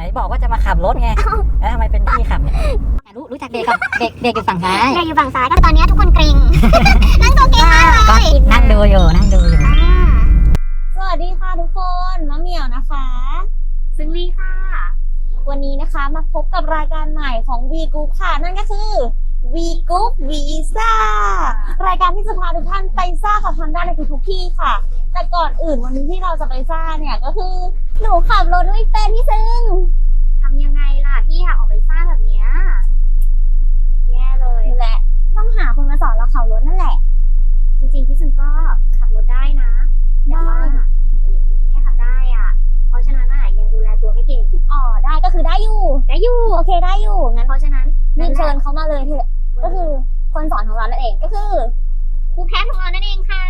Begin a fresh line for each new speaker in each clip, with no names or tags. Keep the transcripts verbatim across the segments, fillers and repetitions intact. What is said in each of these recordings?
ไหนบอกว่าจะมาขับรถไงแล้วทำไมเป็นพี่ขับเนี่ยรู้รู้จักเด็กกับเด็กเด็กอยู่ฝั่งซ้าย
เด็กอยู่ฝั่งซ้ายก็ตอนนี้ทุกคนเกรง นั่งตัวเกรงมากเลย
นั่งดูอยู่นั่งดูอยู่
สวัสดีค่ะทุกคนมะเหมี่ยวนะคะซึ่งลี่ค่ะวันนี้นะคะมาพบกับรายการใหม่ของ V Group ค่ะนั่นก็คือ V Group Visa รายการที่จะพาทุกท่านไปซ่ากับทันได้ในทุกๆที่ค่ะแต่ก่อนอื่นวันนี้ที่เราจะไปซ่าเนี่ยก็คือหนูขับรถไม่เป็นพี่ซึ่งทำยังไงล่ะที่อยากออกไปซ่าแบบเนี้ยแย่เลยแหละต้องหาคนมาสอนเราขับรถนั่นแหละจริงๆพี่ซึ่งก็ขับรถได้นะแต่ว่าแค่ขับได้อ่ะเพราะฉะนั้นอ่ะยังดูแลตัวไม่เก่งอ๋อได้ก็คือได้อยู่ได้อยู่โอเคได้อยู่งั้นเพราะฉะนั้นรีบเชิญเขามาเลยเถอะก็คือคนสอนของเรานั่นเองก็คือครูแพทย์ของเรานั่นเองค่ะ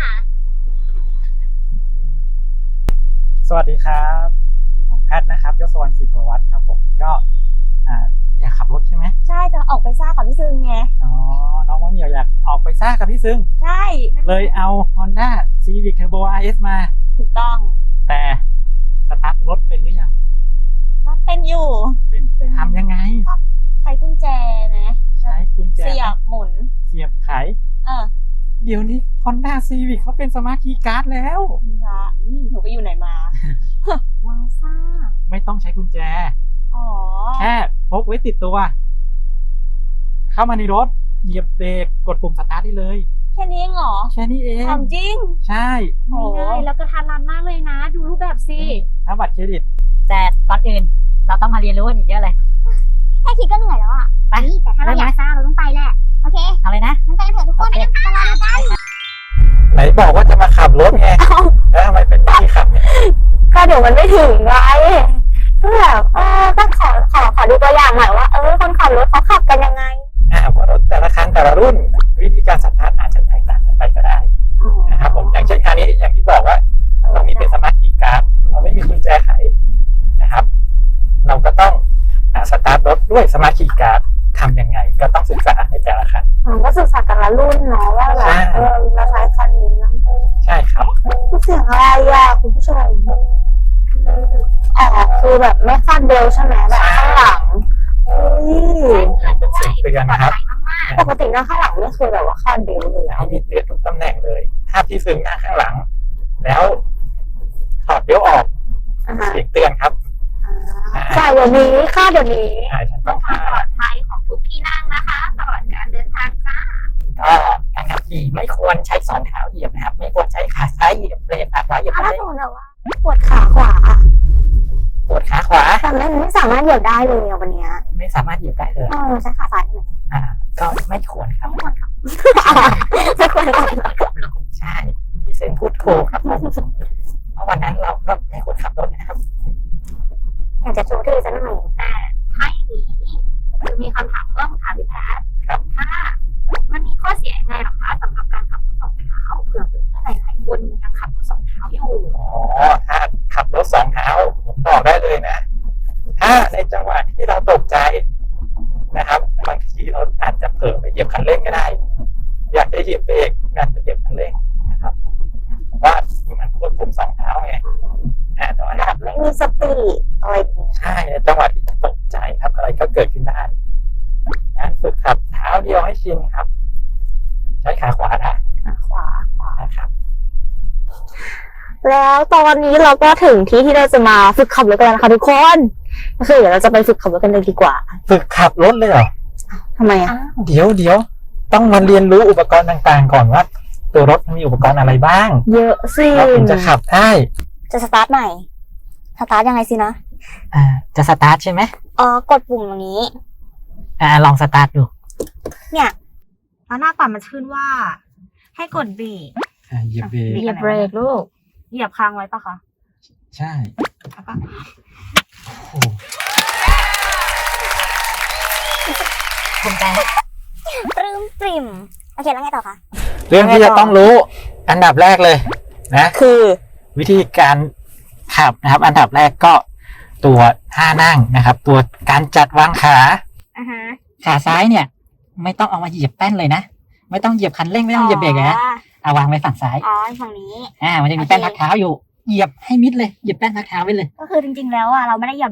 สวัสดีครับผมแพทย์นะครับยศวรรณศิริวัฒน์ครับผมก็อ่าอยากขับรถใช่ไหม
ใช่จะออกไปซ่ากับพี่ซึงไง
อ๋อน้องมะเหมี่ยวอยากออกไปซ่ากับพี่ซึง
ใช่
เลยเอา Honda Civic Turbo อาร์ เอส มา
ถูกต้อง
แต่สตาร์ทรถเป็นหรือยัง
ก็เป็นอยู่
เป็นทำยังไง
ใช้กุญแจนะ
ใช้กุญแจ
เสียบหมุน
เสียบไข
เออ
เดี๋ยวนี้ Honda Civic เขาเป็นสมาร์ทคีย์การ์ดแล้ว
ค่ะหนูไปอยู่ไหนมาว้าวซ่า
ไม่ต้องใช้กุญแจ
อ๋อ
แค่พกไว้ติดตัวเข้ามาในรถเหยียบเบรกกดปุ่มสตาร์ทได้เลย
แค่นี้เองเหรอ
แค่นี้เอง
ทำจริง
ใช่
ง่ายแล้วก็ทันรันมากเลยนะดูรูปแบบสิ
ถ้าบัตรเครดิต
แต่ก่อนอื่นเราต้องมาเรียนรู้กันอีกเยอะเลย
แค่คิดก็เหนื่อยแล้วอ่ะไปแต่ถ้าเราอยากซ่าเราต้องไปแหละโอเค
เอาเลยนะ
งั้นไปกันเถอะทุกคนไปกันค่ะรอดูกัน
ไหนบอกว่าจะมาขับรถไงแล้วทำไมเป็นพี่ขับเนี่ย
ก็เดี๋ยวมันไม่ถึงไงก็แบบเออก็ขอขอขอดูตัวอย่างหน่อยว่าเออคนขับรถเขาขับกันยังไง
อ่าเพราะรถแต่ละคันแต่ละรุ่นวิธีการสตาร์ทอาจจะแตกต่างกันไปก็ได้นะครับผมอย่างเช่นคันนี้อย่างที่บอกว่าเรามีเป็นสมาร์ทคีย์การ์ดเราไม่มีกุญแจไขนะครับเราก็ต้องสตาร์ทรถด้วยสมาร์ทคีย์การ์ดทำยังไงก็ต้องศึกษาในแต่ละคัน
ก็ศึกษาแต่ละรุ่นเนาะว่าแบบเออเราใช้คันนี้นะ
ใช่ครับ
เสียงอะไรอ่ะคุณผู้ชมอ๋อคือแบบไม่คาดเบลใช่ไหมแบบข้างหลัง
เป็นเสียงเตือนนะครับ
ปกตินั่งข้างหลังไม่เคยแบบว่าคาดเบลเลย
เขามีเตือนทุกตำแหน่งเลยถ้าพี่ซึงนั่งข้างหลังแล้วถอดเบลออกเสียงเตือนครับ
ใช่เดี๋ยวนี้ค่าเดี๋ยวนี้
ใช่ฉันต้อง
ความปลอดภัยของทุกที่นั่งนะคะตลอดการเดินทางจ้า
ก็การขับขี่ไม่ควรใช้สองเท้าเหยียบนะครับไม่ควรใช้ขาซ้ายเหยียบเบรกขาขวาเหยียบเบรก
ถ้าสมมติว่าปวดขาขวา
ปวดขาขวา
แต่ไม่ไม่สามารถเหยียบได้เลยวันนี้
ไม่สามารถเหยียบได้เลย
เออใช้ขาซ้ายไหม
อ่าก็ไม่ควรครับ
ไม่ควรครับไม่ควรครับ
ใช่พี่เซนพูดถูกครับผมเพราะวันนั้นเราก็ไม่ควรขับรถนะครับ
อยากจะชวนที่จะหน่อยแต่ถ้าอย่างนี้คือมีคำถามเพิ่มค่ะพี่แพทย์ถ้ามันมีข้อเสียยังไงหรอคะสำหรับการขับรถสองเท้าเผื่อเพื่อนหลายๆคนยังขับรถสองเท้าอยู่
อ๋อถ้าขับรถสองเท้าผมบอกได้เลยนะถ้าในจังหวะที่เราตกใจนะครับบางทีเราอาจจะเผลอไปเหยียบคันเร่งก็ได้อยากจะเหยียบเบรกอยากจะเหยียบคันเร่งนะครับว่ามันควบคุมสองเท้าไงแต่ว่าขับไม่
มีสติอะไร
ใช่ในจังหวะที่ตกใจครับอะไรก็เกิดขึ้นได้งั้นฝึกขับเท้าเดียวให้ชินครับใช้ขาขวาได้
ขาขวาขวา
ครับ
แล้วตอนนี้เราก็ถึงที่ที่เราจะมาฝึกขับรถกันแล้วนะคะทุกคนก็คือเดี๋ยวเราจะไปฝึกขับรถกันเลยดีกว่า
ฝึกขับรถเลยเหรอ
ทำไมอ่ะ
เดี๋ยวเดี๋ยวต้องมาเรียนรู้อุปกรณ์ต่างๆก่อนว่าตัวรถมีอุปกรณ์อะไรบ้าง
เยอะสิ
เราถึงจะขับได้
จะสตาร์ทใหม่สตาร์ทยังไงสินะ
อ่าจะสตาร์ทใช่ไหม
อ๋อกดปุ่มตรงนี้
อ่าลองสตาร์ทดู
เนี่ยแล้วหน้าปัดมันขึ้นว่าให้กดเบรก
อ่าเหยียบเบรก
เหยียบเบรกลูกเหยียบค้างไว้ปะคะ
ใช่
แล้วก็
โอ้
ภูมิใจ
ปลื้มปริ่มโอเคแล้วไงต่อคะ
เรื่องที่จะต้องรู้อันดับแรกเลยนะ
คือ
วิธีการขับนะครับอันดับแรกก็ตัวท่านั่งนะครับตัวการจัดวางขา
อ่าฮะ
ขาซ้ายเนี่ยไม่ต้องเอามาเหยียบแป้นเลยนะไม่ต้องเหยียบคันเร่งไม่ต้องเหยียบเบรกนะเอาวางไว้ฝั่งซ้าย
อ๋อฝั่งนี้
อ่ามันจะมีแป้นพักเท้าอยู่เหยียบให้มิดเลยเหยียบแป้นพักเท้าไว้เลย
ก็คือจริงๆแล้วอ่ะเราไม่ได้เหยียบเบรก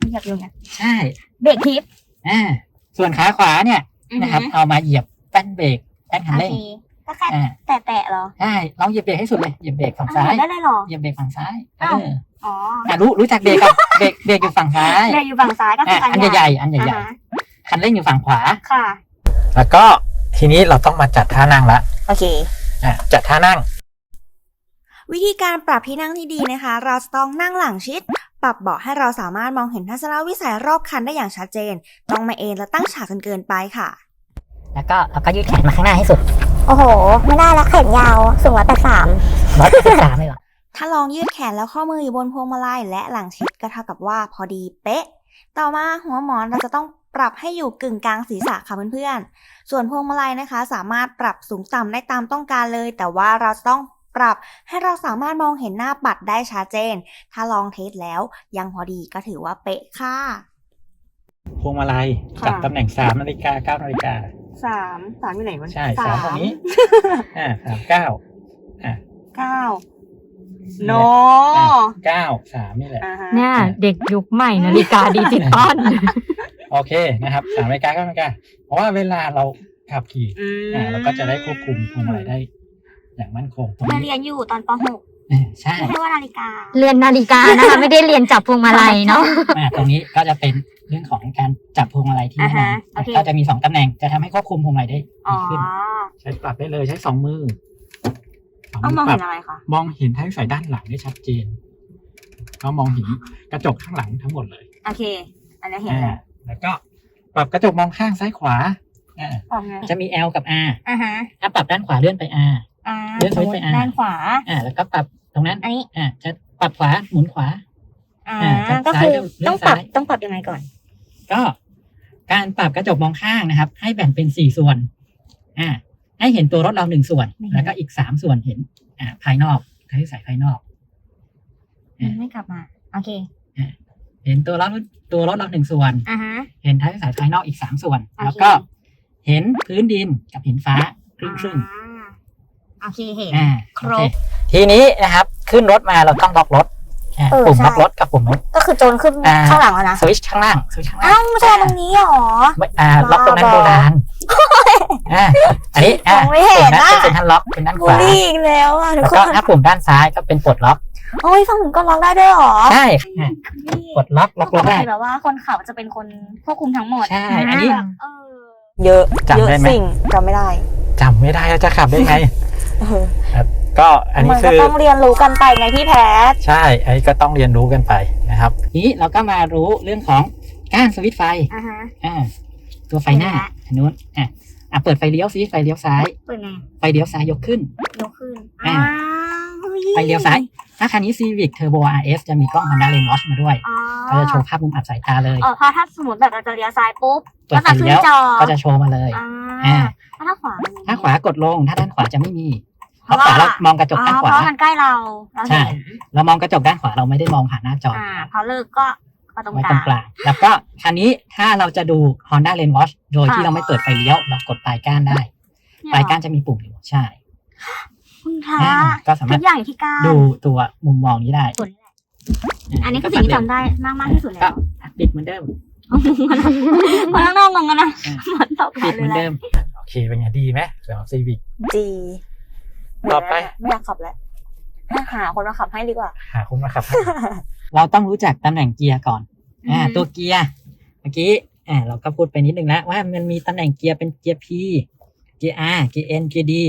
เหยียบอยู่ไง
ใช่
เบรกทิป
อ่าส่วนขาขวาเนี่ยนะครับเอามาเหยียบแป้นเบรกแป้นคัน
โอ
เร่ง
เคก็แค่
อ่า
แตะๆเหรอ
ใช่ลองเหยียบเบรกให้สุดเลยเหยียบเบรกฝั่งซ้าย
ได้เลยเหรอ
เหยียบเบรกฝั่งซ้ายเอ
อ้าว
อ
อ๋อ
อ่ะรู้รู้จักเบรกกับเบรกเบรกอยู่ฝั่งซ้าย
เบรกอยู่ฝั่งซ้ายก็คือ
อ่ะ
อั
อั
น
น
ใหญ่
ใหญ่ๆอันใหญ่
อ่าฮะ
ๆคันเร่งอยู่ฝั่งขวา
ค่ะ
แล้วก็ทีนี้เราต้องมาจัดท่านั่งละ
โอเค
อ่ะจัดท่านั่ง
วิธีการปรับที่นั่งที่ดีนะคะ เราจะต้องนั่งหลังชิด ปรับเบาะให้เราสามารถมองเห็นทัศนวิสัยรอบคันได้อย่างชัดเจน ต้องไม่เอนและตั้งฉากจนเกินไปค่ะ
แล้วก็เราก็ยืดแขนมาข้างหน้าให้สุด
โอ้โห ไม่ได้ละแขนยาวสูงร้อยแปดสาม
ร้อยแปดสิบสามเลยเหรอ
ถ้าลองยืดแขนแล้วข้อมืออยู่บนพวงมาลัยและหลังชิดก็เท่ากับว่าพอดีเป๊ะ ต่อมาหัวหมอนเราจะต้องปรับให้อยู่กึ่งกลางศีรษะค่ะเพื่อนๆ ส่วนพวงมาลัยนะคะ สามารถปรับสูงต่ำได้ตามต้องการเลย แต่ว่าเราจะต้องปรับให้เราสามารถมองเห็นหน้าปัดได้ชัดเจน ถ้าลองเทสแล้วยังพอดีก็ถือว่าเป๊ะค่ะ
พวงมาลัย
ค่ะ
จับตำแหน่งสามนาฬิกาเก้านาฬิกา
สามสามอยู่ไหนวะ
ใช่สามตรงนี้ อ่าสามเก้าอ่า
เก้าโน
อ่ะเก้าสามนี่แหละ
อ่าฮะ
เนี่ยเด็กยุคใหม่นาฬิกาดิจิตอล
โอเคนะครับสามนาฬิกาเก้านาฬิกาเพราะว่าเวลาเราขับขี่
อืม
อ่าเราก็จะได้ควบคุมพวงมาลัยได้ อย่างมั่นคงตรง
เรา
นี้
เรียนอยู่ตอนป .หก
อ่าใช่
ไม่ใช่ว่านาฬิกา
เรียนนาฬิกานะคะ ไม่ได้เรียนจับพวงมาลัยเนาะ
อ่าตรงนี้ก็จะเป็นเรื่องของการจับพวงมาลัยที่แน่นอน
อ่าฮะโอเค
ก็จะมีสองตำแหน่งจะทำให้ควบคุมพวงมาลัยได้
อ๋อ
ดีขึ้น ใช้ปรับได้เลยใช้สองมือสอง
ต้อง
มื
มอง
ปรั
เห็นอะไรคะ
มองเห็นท้ายไฟด้านหลังได้ชัดเจนก็มองเห็นกระจกข้างหลังทั้งหมดเลย
โอเค อันนี้เห็น
อ่า
แล้ว
แล้วก็ปรับกระจกมองข้างซ้ายขวาอ่า
ออกไง
จะมี L กับ R
อ่าฮะ
ถ้าปรับด้านขวาเลื่อนไป R
อ่า
เลื่อนสวิตช์ไปอ่ะ
ด้านขวา
อ่า แล้วก็ปรับตรงนั้น
อันนี้
อ่าจะปรับขวาหมุนขวา
อ่า
อ่าจาก
ก็
ซ้าย
คือ
เลื่อน
ต้องปรับ
ซ้าย
ต้องปรับยังไงก่อน
ก็การปรับกระจกมองข้างนะครับ ให้แบ่งเป็นสี่ส่วน อ่า ให้เห็นตัวรถเราหนึ่งส่วน แล้วก็อีกสามส่วนเห็น อ่า ภายนอกใช้สายภายนอก อ่า
ไม่กลับมา โอเค
เห็นตัวรถตัวรถเราหนึ่งส่วน
อ่าฮะ
เห็นท้ายสายภายนอกอีกสามส่วน
โอเค
แล้วก็เห็นพื้นดินกับเห็นฟ้าครึ่งครึ่ง
อ่าโอเคเห็น
อ่า
ครบ
โอเทีนี้นะครับ ขึ้นรถมาเราต้องล็อกรถอ่า
เออ
ปุ่ม
ใช่
ล็อกรถกับปุ่มรถ
ก็คือโจรขึ้น
อ่า
ข้างหลังแล้วนะ
สวิตช์ข้างล่างสวิตช์ข้างล่า
อ้าง วไม่ใช่ตรงนี้หรอ
ไม่อ่าล็อกตรงนั้น
บ้า
โบราณอ่าอันนี้อ่าม
องไม่เห็น
ปุ่มนั้น
อะ
เป็นเซ็นทรัลล็อกเป็นด้านข
บูล
วา
ลี่อีกแล้วอ่ะทุก
แล้ว
ค
ก็
น
ถ้าปุ่มด้านซ้ายก็เป็นปลดล็อก
โอ้ยฝั่งหนูก็ล็อกได้ด้วยหรอ
ใช่อ่ะปลดล็อกล็อกรถได้
แบบว่าคนขับจะเป็นคนควบคุมทั้งหมด
ใช่อันนี้
แบบเออ
เยอะ
จำได้ไหม
เยอะสิ่งจำไม่ได้
จำไม่ได้แล้วจะขับได้ไง
เออ
ก็อันนี้
มัน
คื
ก็
อ
ต้องเรียนรู้กันไปไงพี่แพท
ใช่ อันนี้ก็ต้องเรียนรู้กันไปนะครับทีนี้เราก็มารู้เรื่องของก้านสวิตช์ไฟ
อ่าฮะ
อ่าตัวไฟหน้า
เห็นละ
อันนู้นอ่ะอ่ะเปิดไฟเลี้ยวซิไฟเลี้ยวซ้าย
เปิดไง
ไฟเลี้ยวซ้ายยกขึ้น
ยกขึ้น
อ่า
ฮ้
ไฟเลี้ยวซ้าย ถ้าคันนี้ Civic Turbo อาร์ เอส จะมีกล้อง Honda Lane Watch มาด้วย
อ๋อ
ก็จะโชว์ภาพมุมอับสายตาเลย
เออเพราะถ้าสมมติแบบเราจะเลี้ยวซ้ายปุ๊บ
เปิ
ก็
ดไฟ
จะขึ้น
เลี้ยว
จอ
ก็จะโชว์มาเลย
อ่า
อ่า
แล้วถ้าขวามันมี
ถ้าขวากดลง ถ้าด้านขวาจะไม่มีเพ
เพราะ
ราะขวา
ว่า
เรามองกระจก
อ๋อ
ด้าน
เพ
ขวา
ราะมันใกล้เราเรา
ใช่
เห็น
เรามองกระจกด้านขวาเราไม่ได้มองผ่านหน้าจอ
อ่าพอเลิกก็มาตรง
ไว้
ก
ตร
ลาง ง
กลางแล้วก็คันนี้ถ้าเราจะดู Honda Lane Watch โดยที่
ค่ะ
เราไม่เปิดไฟเลี้ยว เรากดปลายก้านได้ ปลายก้านจะมีปุ่มอยู่ใช่
คุณพระ
อ่าก็สา
ทุ
มารถ
กอย่างอยู่ที่ก้าน
ดูตัวมุมมองนี้ได้
ส่วนนี้แหละอันนี้คือสิ่งที่จำได้มากมากๆที่สุด
ก็
แล้ว
ปิดเหมือนเดิม
คนข้างนอกงงกันนะ
อ่า
เหมือนตอบแท
ปิด
น
เหมือน
เล
เดิ
ย
ม โอเคเป็นไงดีไหมสำหรับ Civic
ดี
ต่อไป
ไม่อยากขับแล้วหาคนมาขับให้ดีกว่า
หาคุณมาขับ เราต้องรู้จักตำแหน่งเกียร์ก่อน อ่า
อือฮึ
ตัวเกียร์เมื่อกี้อ่าเราก็พูดไปนิดนึงแล้วว่ามันมีตำแหน่งเกียร์เป็นเกียร์ P เกียร์ R เกียร์ N เกียร์ D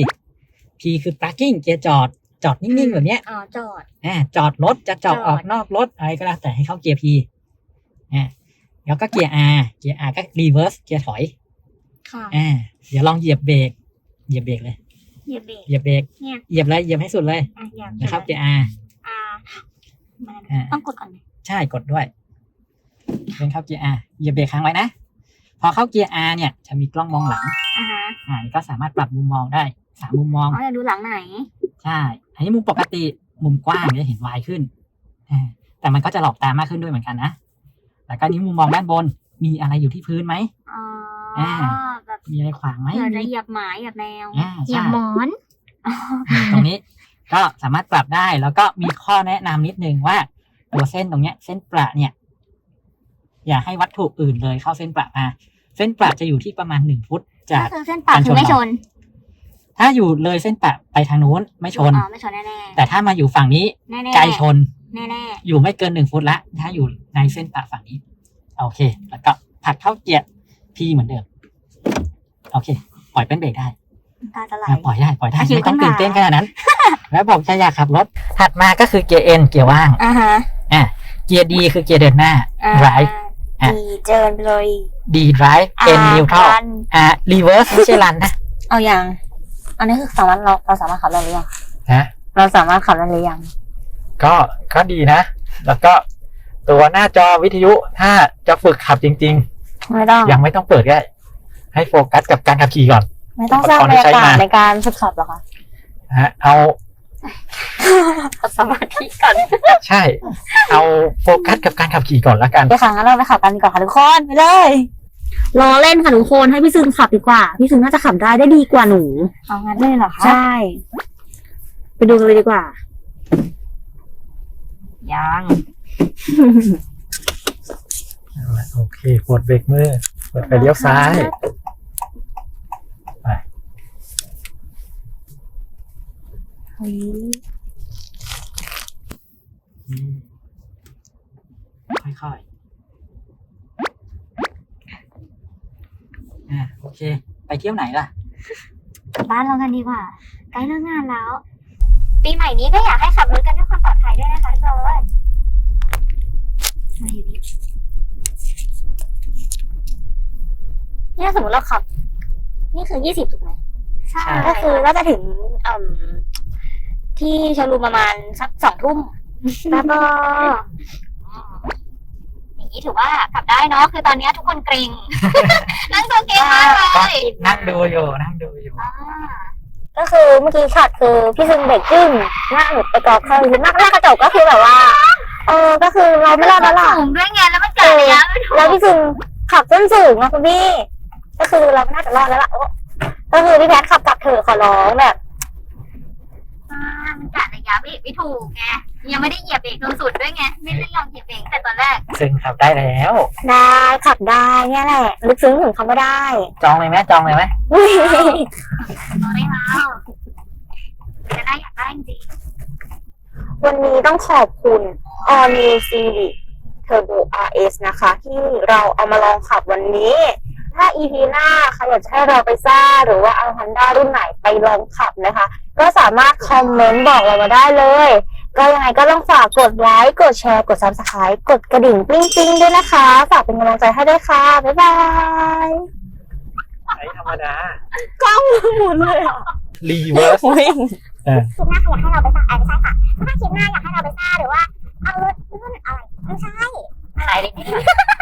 P คือ parking เกียร์จอด จอดนิ่งๆแบบเนี้ย
อ๋อจอด
อ่าจอดรถจะจอด
จอด
ออกนอกรถอะไรก็แล้วแต่ให้เข้าเกียร์ P อ่าแล้วก็เกียร์ R เกียร์ R ก็ reverse เกียร์ถอย
ค่ะ
อ่าเดี๋ยวลองเหยียบเบรกเหยียบเบรกเลย
เหยียบเบรก
เหยียบเบรก
เนี่ย
เหยียบเลยเหยียบให้สุดเลย
อ่ะเหยียบ
นะครับเกียร์ R
อ่ามา
อ่า
ต้องกดก่อนไหม
ใช่กดด้วยเป็นเข้าเกียร์ R เหยียบเบรกค้างไว้นะ พอเข้าเกียร์ R เนี่ยจะมีกล้องมองหลัง
อ่าฮะ
อ่านี่ก็สามารถปรับมุมมองได้สามมุมมอง
อ๋อจะดูหลังไหน
ใช่อันนี้มุมปกติมุมกว้างจะเห็นวายขึ้นอ่าแต่มันก็จะหลอกตามากขึ้นด้วยเหมือนกันนะแล้วก็นี้มุมมองด้านบนมีอะไรอยู่ที่พื้นไหม
อ๋อ
อ่า
แบบ
มีอะไรขวางไหม
เผื่อจะเหยียบหมาเหยียบแมว
อ่า
เหยีย
ใช่
บหมอน
ตรงนี้ก็สามารถปรับได้แล้วก็มีข้อแนะนำนิดนึงว่าตัวเส้นตรงเนี้ย เส้นประเนี่ยอย่าให้วัตถุอื่นเลยเข้าเส้นประมาเส้นประจะอยู่ที่ประมาณหนึ่งฟุตจาก
ก็คือเส้นปากคือไม่ชน
ถ้าอยู่เลยเส้นประไปทางนู้นไม่ชน
อ๋อไม่ชนแน่ๆ
แต่ถ้ามาอยู่ฝั่งนี้
แน่ๆ
ไกลชน
แน่
อยู่ไม่เกินหนึ่งฟุตละถ้าอยู่ในเส้นประฝั่งนี้โอเค แล้วก็ผลักเข้าเกียร์พีเหมือนเดิมโอเค ปล่อยเป็นเบรกได้
ๆตาจะไหล
อ่ะปล่อยได้ปล่อยได้
อ่ะคิว
ไม่ต้อง
ขึ้
ตื่
น
น
มา
เต้นขนาดนั้น แล้วบอกจะอยากขับรถถัดมาก็คือเกียร์ N เกียร์ว่าง
อ่าฮะ
อ่ะเกียร์ D คือเกียร์เดินหน้า drive อ่ะ
ดีเจินไปเลย
D drive N neutral
รัน
อ่ะ reverse ไม่ใช่ run นะ
เอาอย่างอันนี้คือสามารถเราเราสามารถขับได้หรือยัง
ฮะ
เราสามารถขับได้หรือยัง
ก็ก็ดีนะ แล้วก็ตัวหน้าจอวิทยุถ้าจะฝึกขับจริง
ไม่ต้อง
ๆ ยังไม่ต้องเปิดก็ได้ให้โฟกัสกับการขับขี่ก่อน
ไม่ต้องสร้างบรรยากาศในการฝึกขับหรอคะ
ฮะเอา
สมาธิก่อน
ใช่ เอาโฟกัสกับการขับขี่ก่อนละกัน
เดี๋ยวครั้งนั้นเราไปขับกันดีกว่าค่ะทุกคนไปเลยรอเล่นค่ะทุกคนให้พี่ซึงขับดีกว่าพี่ซึงน่าจะขับได้ได้ดีกว่าหนูเอางั้นเลยเหรอคะใช่ไปดูกันเลยดีกว่า
ยัง
โอเคปลดเบรกมือเปิดไฟเลี้ยวซ้ายไปค่อยๆอ่าโอเค ไปเที่ยวไหนล่ะ
กลับบ้านเรากันดีกว่าใกล้เลิกงานแล้ว ปีใหม่นี้ก็อยากให้ขับรถกันด้วยความปลอดภัยด้วยนะคะทุกคนมาอยู่ดีเนี่ยสมมติเราขับ นี่คือยี่สิบถูกไหมใช่ ก็คือก็จะถึงอืมที่โชว์รูมประมาณสักสองทุ่มแล้วก็อย่างนี้ถือว่าขับได้เนาะคือตอนนี้ทุกคนเกรง นั่งตัวเกรงมากเลย
นั่งดูอยู่นั่งดูอยู่
ก็คือเมื่อกี้ช็อตคือพี่ซึงเบรกจึ้งหน้าหนุดไปกอบเข้าคือหน้าหน้ากระจกก็คือแบบว่าเออก็คือเราไม่รอดแล้วล่ะ
สูงด้วยไงแล้วมันกะระยะไม่ถูก
แล้วพี่ซึงขับส้นสูงนะคุณพี่ก็คือเราไม่น่าจะรอดแล้วล่ะโอ้ก็คือพี่แพทขับกลับเถอะขอร้องแบบ
อ่ามันกะระยะเบรกไม่ถูกไงยังไม่ได้เหยียบเบรกตรงสุดด้วยไงไม่ได้ลองเหยียบเบรกแต่ตอนแรก
ซึ่งขับได้แล้ว
ได้ขับได้เนี่ยแหละลึกซึ้งถึงเขาไม่ได้
จองเลยไหมจองเลยไหม
เอาไม่เอาจะได้อยากได้จริง
วันนี้ต้องขอบคุณ All New Civic Turbo อาร์ เอส นะคะ ที่เราเอามาลองขับวันนี้ ถ้า อี พี หน้าใครอยากจะให้เราไปซ่าหรือว่าเอา Honda รุ่นไหนไปลองขับนะคะ ก็สามารถคอมเมนต์บอกเรามาได้เลย ก็ยังไงก็ต้องฝากกดไลค์กดแชร์กด Subscribe กดกระดิ่งปิ้งปิ้งด้วยนะคะ ฝากเป็นกำลังใจให้ด้วยค่ะ บ๊ายบาย
ใช้ธรรมดาก
ล้องหมุนเลยอ่ะ
รีเวิร์ส
วิ่ง
เออ
คลิปหน้าใครอยากให้เราไปซ่าเออไม่ใช่ค่ะถ้าคลิปหน้าอยากให้เราไปซ่าหรือว่าเอารถรุ่นอะไรไม่ใช่
ๆขายเลย